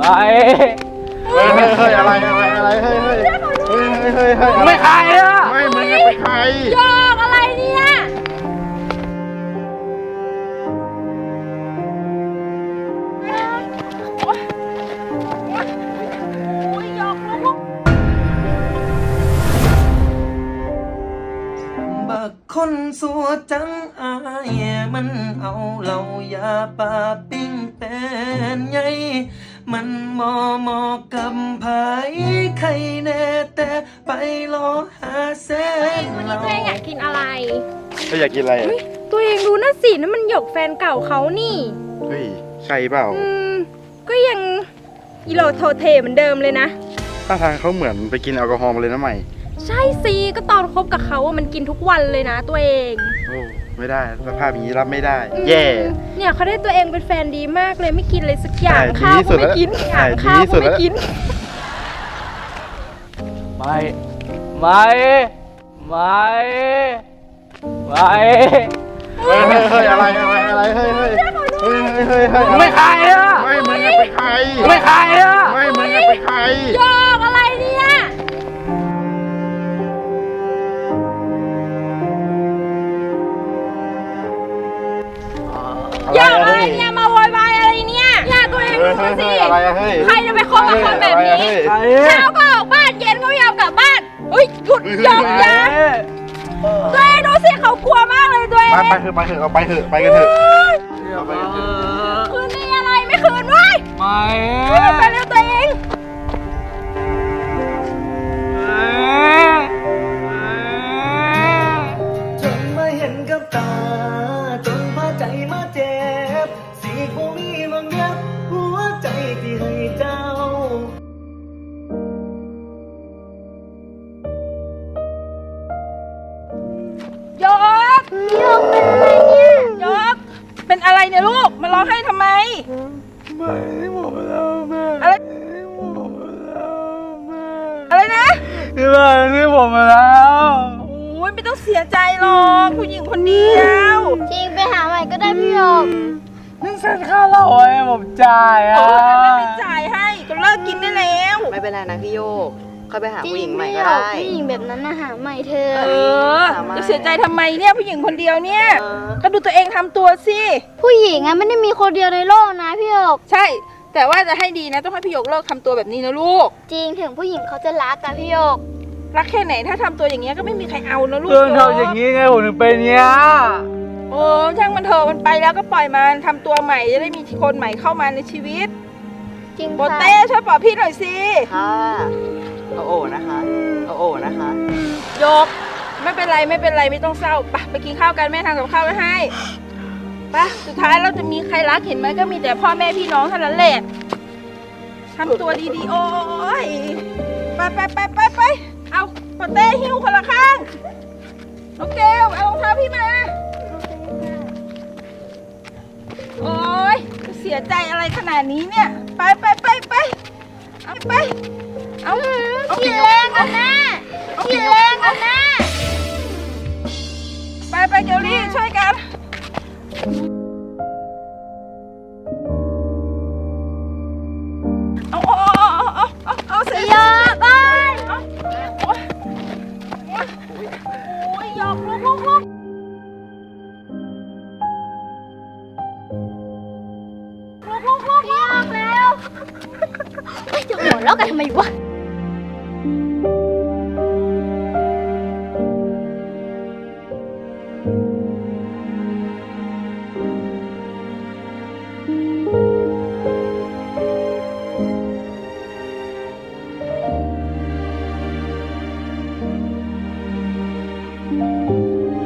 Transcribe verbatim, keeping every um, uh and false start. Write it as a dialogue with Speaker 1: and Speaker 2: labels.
Speaker 1: เฮ้ยเฮ้ยเฮ้ยอะไรอะไรอะไรเฮ้ยเฮ้ยเฮ้ยเฮ้ยเฮ้ยไม่ใครอะไม่มึงเป็นใคร
Speaker 2: หยอกอะไรเนี่ย
Speaker 3: บักคนสัวจังอายมันเอาเหล่ายาปลาปิ้งเป็นไงมันมอมอกับไผใครแน่แต่ไปรอหาแสน
Speaker 2: วันนี้ตัวเองอยากกินอะไร
Speaker 1: ก็อยากกินอะไร
Speaker 2: ตัวเองดูนั่นสินั่นมันหยกแฟนเก่าเขานี่
Speaker 1: เฮ้ยใช่เปล่า
Speaker 2: อืมก็ยังอีโลโทเทเหมือนเดิมเลยนะ
Speaker 1: ท่าทางเขาเหมือนไปกินแอลกอฮอล์มาเลยนะใหม่
Speaker 2: ใช่สิก็ตอนคบกับเขาอะมันกินทุกวันเลยนะตัวเอง
Speaker 1: โอ้ไม่ได้สภาพอย่างนี้รับไม่ได้แย่
Speaker 2: เนี่ยเขาได้ตัวเองเป็นแฟนดีมากเลยไม่กินเลยสักอย่าง
Speaker 1: ข้าวก็ไม่กิน
Speaker 2: ข้าวก็ไม่กิน
Speaker 1: ไม่ไม่ไม่ไม่เฮ้ยเฮ้ยเฮ้ยอะไรอะไรอะไรเฮ้ยเฮ้ยเฮ้ยเฮ้ยเฮ้ยเฮ้ยไม่ใครอะไม่มึงเป็นใครไม่ใครอะไม่มึงเป็นใคร
Speaker 2: หยอกอะไรเนี่ยหยอกอะไรเนี่ยมาโวยวายอะไรเนี่ยอย่าตัวเองดูสิใครจะไปคบกับคนแบบนี้เช้าก็ออกบ้านเย็นก็ไม่ยอมกลับบ้านเฮ้ยหยุดหยอกอย่าตัวเองดูสิเขากลัวมากเลยตัวเอง
Speaker 1: ไปเถอะไปเถอะเอาไปเถอะไปกันเถอะ
Speaker 2: คืนนี้อะไรไม่คืนไว้ไม่ไปเร็วตัวเอง
Speaker 3: จนมาเห็นกับตาจนพาใจมาเจ็บสีคงมีบางอย่างหัวใจที่ให้เจ้า
Speaker 2: โยกโยกเป็นอะไรเนี่ยโยกเป็นอะไรเนี่ยลูกมาร้องไห้ทำไม
Speaker 1: ไม่ได้หมดแล้วแม่
Speaker 2: อะไรอะไรนะ
Speaker 1: ที่บ้านที่ผมมาแล้ว
Speaker 2: โอ้ยไม่ต้องเสียใจหรอกผู้หญิงคนเดียว
Speaker 4: จริงไปหาใหม่ก็ได้พี่หยก
Speaker 1: นั่นเซ็นค่าเหล้าให้ผมจ่ายอ่ะ
Speaker 2: โอ้ยไม่เป็นจ่ายให้ก็เลิกกินได้แล้ว
Speaker 5: ไม่เป็นไรนะพี่โยกค่อยไปหาผู้หญิงใหม่ก็ได้
Speaker 4: ผู้หญิงแบบนั้นนะหาใหม่เธอ
Speaker 2: เออจะเสียใจทำไมเนี่ยผู้หญิงคนเดียวเนี่ยก็ดูตัวเองทำตัวสิ
Speaker 4: ผู้หญิงอะไม่ได้มีคนเดียวในโลกนะพี่หยก
Speaker 2: ใช่แต่ว่าจะให้ดีนะต้องให้พี่หยกเลิกทำตัวแบบนี้นะลูก
Speaker 4: จริงถึงผู้หญิงเขาจะรักกันพี่หยก
Speaker 2: รักแค่ไหนถ้าทำตัวอย่างเงี้ยก็ไม่มีใครเอานะลูก
Speaker 1: เรื่องเท่าอย่างนี้ไงผมถึงเป็นเนี้ย
Speaker 2: โอ้ช่างมันเถอะมันไปแล้วก็ปล่อยมันทำตัวใหม่จะได้มีคนใหม่เข้ามาในชีวิต
Speaker 4: จริง
Speaker 2: โบเต้ช่วยปลอบพี่หน่อยสิ
Speaker 5: ค่ะเอาโอนะคะเอาโอนะคะ
Speaker 2: ยกไม่เป็นไรไม่เป็นไรไม่ต้องเศร้าไปไปกินข้าวกันแม่ทำกับข้าวไว้ให้ไปสุดท้ายเราจะมีใครรักเห็นไหมก็มีแต่พ่อแม่พี่น้องเท่านั้นแหละทำตัวดีๆโอ้ยไปไปไปไปไปเอาโบเต้หิ้วคนละข้างน้องเกลเอารองเท้าพี่มาโอ้ยเสียใจอะไรขนาดนี้เนี่ยไปไปไปไปเอาไปเอาเอา
Speaker 4: ขี่แรงกันนะขี่แรงกันนะ
Speaker 2: ไปไปเกลลี่ช่วยกันเอาเอาเอาเอาเอาเสีย
Speaker 4: หยอกไป
Speaker 2: โอ้ยหยอกลุกลุกลุกลุกลุกลุก
Speaker 4: หยอกแล้วไม่จะหัวเราะกันทำไมวะ